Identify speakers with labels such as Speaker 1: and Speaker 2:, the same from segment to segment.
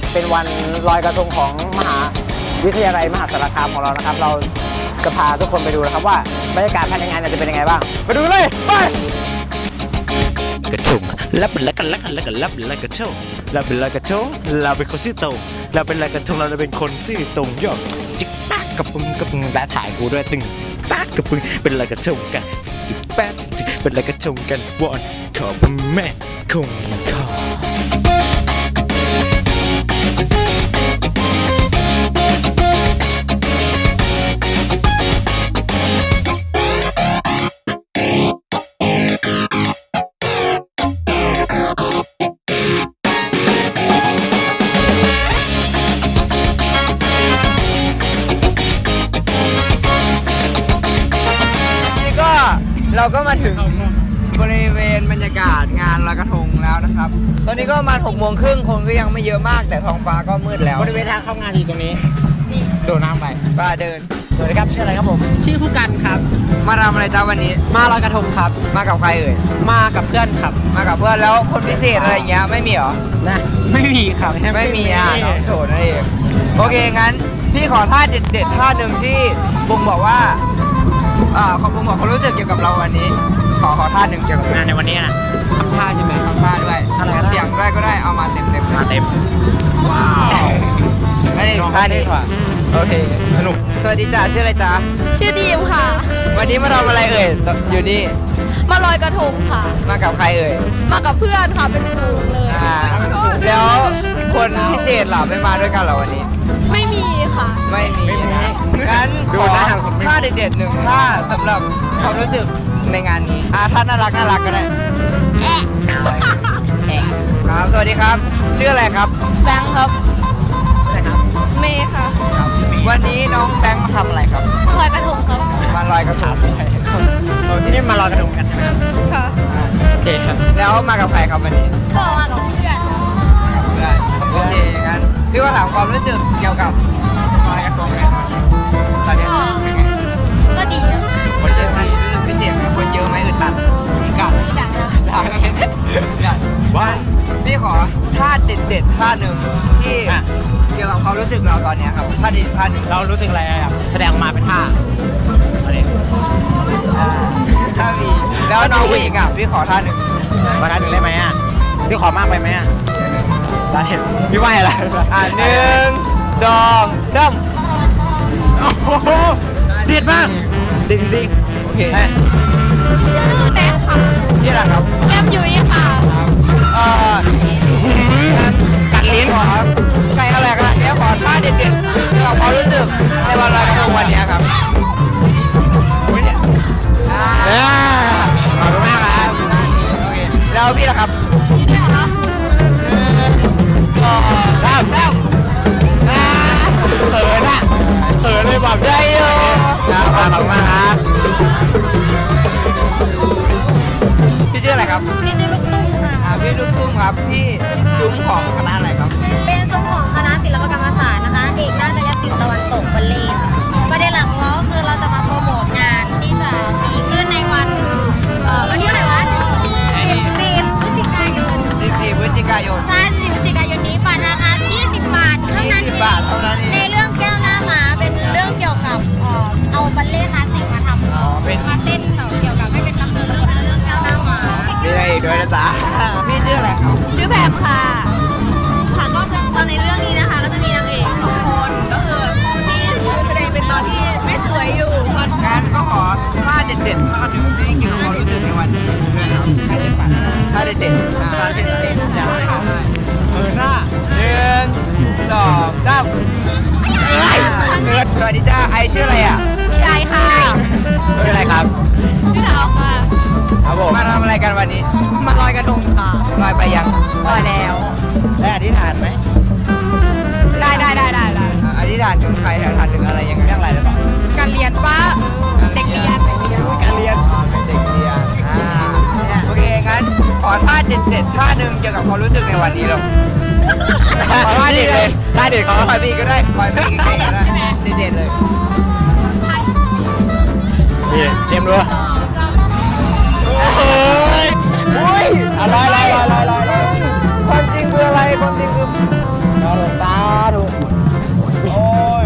Speaker 1: เป็นวันลอยกระทงของมหาวิทยาลัยมหาสารคามของเรานะครับเราจะพาทุกคนไปดูนะครับว่าบรรยากาศภายในงานจะเป็นยังไงบ้างไปดูเลยไปกระทงรับเป็นละกันรับเป็นละกระทงเราเป็นละกระทงเราเป็นคนซื่อตรงเราเป็นละกระทงเราเป็นคนซื่อตรงยอดจิกตักกระปุงและถ่ายกูด้วยตึงตักกระปุงเป็นละกระทงกันจิกแป๊ดเป็นละกระทงกันวอนขอพระแม่คงคอเราก็มาถึงบริเวณบรรยากาศงานลอยกระทงแล้วนะครับตอนนี้ก็ประมาณ6:30คนก็ยังไม่เยอะมากแต่ท้องฟ้าก็มืดแล้วบริเวณทางเข้างานอยู่ตรงนี้โดดน้ำไปป้าเดินสวัสดีครับชื่ออะไรครับผม
Speaker 2: ชื่อผู้กันครับ
Speaker 1: มาทำอะไรจ้าวันนี้
Speaker 2: มาลอยกระทงครับ
Speaker 1: มากับใครเอ่ย
Speaker 2: มากับเพื่อนครับ
Speaker 1: มากับเพื่อนแล้วคนพิเศษอะไรเงี้ยไม่มีหรอ
Speaker 2: นะไม่มีครับ
Speaker 1: ไม่มีน้องโสดนั่นเองโอเคงั้นพี่ขอท่าเด็ดท่าหนึ่งที่บุ้งบอกว่าขอบคุณบอกเขารู้สึกเกี่ยวกับเราวันนี้ขอท่าหนึ่งเกี่ยวกับ
Speaker 2: งานในวันนี้นะทำท่าใช่ไหม
Speaker 1: ทำท่าด้วยเสียงด้วยก็ได้เอามาเต็ม
Speaker 2: มาเต็มว้าว
Speaker 1: ท่านี้โอเคสนุกสวัสดีจ้าชื่ออะไรจ้า
Speaker 3: ชื่อดีมค่ะ
Speaker 1: วันนี้มาทำอะไรเอ่ยอยู่นี่
Speaker 3: มาลอยกระทงค่ะ
Speaker 1: มากับใครเอ่ย
Speaker 3: มากับเพื่อนค่ะเป็นฝูงเลย
Speaker 1: แล้วคนพิเศษเหรอไม่มาด้วยกันเหรอวันนี้
Speaker 3: ไม่มีค่ะ
Speaker 1: ไม่มีงั้นขอท่าเด็ดๆหนึ่งท่าสำหรับความรู้สึกในงานนี้ท่าน่ารักก็ได้ครับสวัสดีครับชื่ออะไรครับ
Speaker 3: แบงค์ครับเมย์ค่ะ
Speaker 1: วันนี้น้องแบงค์มาทำอะไรครับ
Speaker 3: ลอยกระทงครับ
Speaker 1: มาลอยกระทง
Speaker 2: นี่มาลอยกระทงกันใช่ไหม
Speaker 3: ค่ะ
Speaker 1: โอเคครับแล้วมากับใครครับวันนี้
Speaker 3: ก็มากับเพื่อน
Speaker 1: โอเคงั้นพี่ว่าถามความรู้สึกเกี่ยวกับลอยกระทงเลยตอนนี้
Speaker 3: ก็ดี
Speaker 1: คนเยอะไหมรู้สึกพิเศษไหมคนเยอะไหมอึดอัดกัดว่าพี่ขอท่าเด็ดท่าหนึ่งที่เกี่ยวกับความรู้สึกเราตอนนี้ครับท่าเด็ดท่าหนึ่ง
Speaker 2: เรารู้สึกอะไรครับแสดงมาเป็นท่าอะไร
Speaker 1: ท่ามีแล้วน้องผู้หญิงพี่ขอท่าหนึ่ง
Speaker 2: มาท่าหนึ่งได้ไหมพี่ขอมากไปไหมได้พี่ไหวอะไร
Speaker 1: 1 2 3
Speaker 2: โอ้โหเด็ดมากเด็ดจริง
Speaker 1: โอเค
Speaker 3: ชื่อแบ๊กค่ะ
Speaker 1: นี่แหละครับ
Speaker 3: แก้มยุ้ยค่ะ
Speaker 1: กัดลิ้นครับใครอะไรกันเนี่ยขอท่าเด็ดๆกับความรู้สึกในวันลอยกระทงวันนี้ครับขอบคุณมากครับแล้วพี่ล่ะครับเขินเลยบอกใจอยู่ขอบคุณมากครับพี่ชื่ออะไรครับ
Speaker 3: พี่ชื่อลูกตุ้มค่ะ
Speaker 1: พี่ลูกตุ้มครับพี่ซุ้มของคณะอะไรครับ
Speaker 3: เป็นซุ้มของคณะศิลปกรรมศาสตร์นะคะเอกนาฏศิลป์ตะวันตกบัลเล่ต์ประเด็นหลักของเราคือเราจะมาโปรโมทงานที่จะมีขึ้นในวันที่อะไรวะ14 พฤศจิกายนใช่14 พฤศจิกายนนี้บัตรราคา20 บาทเท่านั้นในเรื่องแก้วหน้าหมาเป็นเรื่องเกี่ยวกับเอาบัลเล่ต์คลาสสิกมาทำมาเต้นแบบเกี่ยวกับไม่เป็นลำเนินเรื่องแก้วหน้าหมา
Speaker 1: มีอะไรอีกด้วยนะจ๊ะพี่ชื่ออะไรครับ
Speaker 3: ชื่อแพมค่ะก็คือตอนในเรื่องนี้นะคะก็จะมีนางเอก2 คนก็คือที่แสดงเป็นตอนที่ไม่สวยอยู่
Speaker 1: งั้นก็ขอท่าเด็ดๆท่าหนึ่งที่เกี่ยวกับความรู้สึกในวันนี้ท่าเด็ดๆหน้า1 2 3สวัสดีจ้าไอชื่ออะไร
Speaker 3: ชื่อไอค่ะ
Speaker 1: ชื่ออะไรครับ
Speaker 3: ชื่อดาวค่ะ
Speaker 1: ครับผมมาทำอะไรกันวันนี้
Speaker 3: มาลอยกระทงค่ะ
Speaker 1: ลอยไปยัง
Speaker 3: ลอยแล้ว
Speaker 1: ได้อธิษฐานไหม
Speaker 3: ได้
Speaker 1: อธิษฐานถึงใครอธิษฐานถึงอะไรยังไงเรื่องอะไรหรือเปล่า
Speaker 3: การเรียนป้าเด็กเรียน
Speaker 1: การเรียนเป็นเด็กเรียนโอเคงั้นขอท่าเด็ดท่าหนึ่งเกี่ยวกับความรู้สึกในวันนี้เราขอท่าเด็ดเลยท่าเด็ดขอคอยพี่ก็ได้คอยพี่ก็ได้เด็ดเลยเตรียมด้วยอะไรความจริงคืออะไรความจริงคือสาธุโอ้ย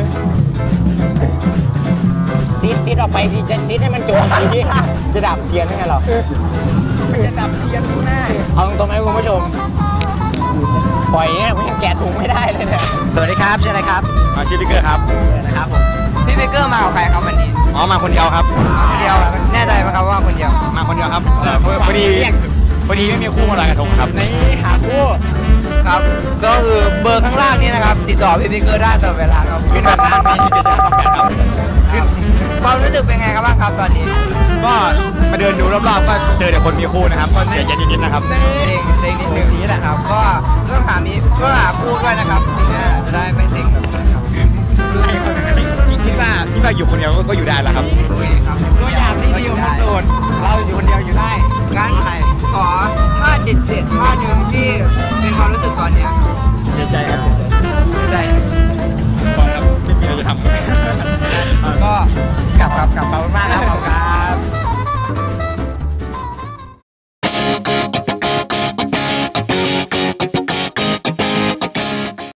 Speaker 1: ซีดออกไปดิจะซีดให้มันโจมทีจะดับเทียนยังไงหรอจะดับเทียนแน่เอาตรงๆไหมคุณผู้ชมปล่อยเนี่ยผมยังแกะถุงไม่ได้เลยเนี่ยสวัสดีครับชื่ออะไรครับ
Speaker 2: ชื่อบิ๊กเกอร์ครับ
Speaker 1: นะครับผม
Speaker 2: พี่บิ๊กเกอร์มากับใครครับวันนี้อ๋อมาคนเดียวครับคนเดียวแน่ใจไหมครับว่าคนเดียวมาคนเดียวครับพอดีไม่มีคู่มาลอยกระทงครับ
Speaker 1: นี่หาคู่
Speaker 2: ครับก็คือเบอร์ข้างล่างนี้นะครับติดต่อพี่บิ๊กเกอร์ได้ตลอดเวลาครับขึ้นแบบนั้นมี7728ครับความรู้สึกเป็นไงครับบ้างครับตอนนี้ก็มาเดินดูรอบๆก็เจอแต่คนมีคู่นะครับก็เสียใจนิดๆนะครับเซ็งนิดนึงนี้แหละครับก็ต้องหาคู่ด้วยนะครับจริงๆจะได้ไม่เซ็งแบบนี้ครับคิดว่าอยู่คนเดียวก็อยู่ได้แล้วครับครับ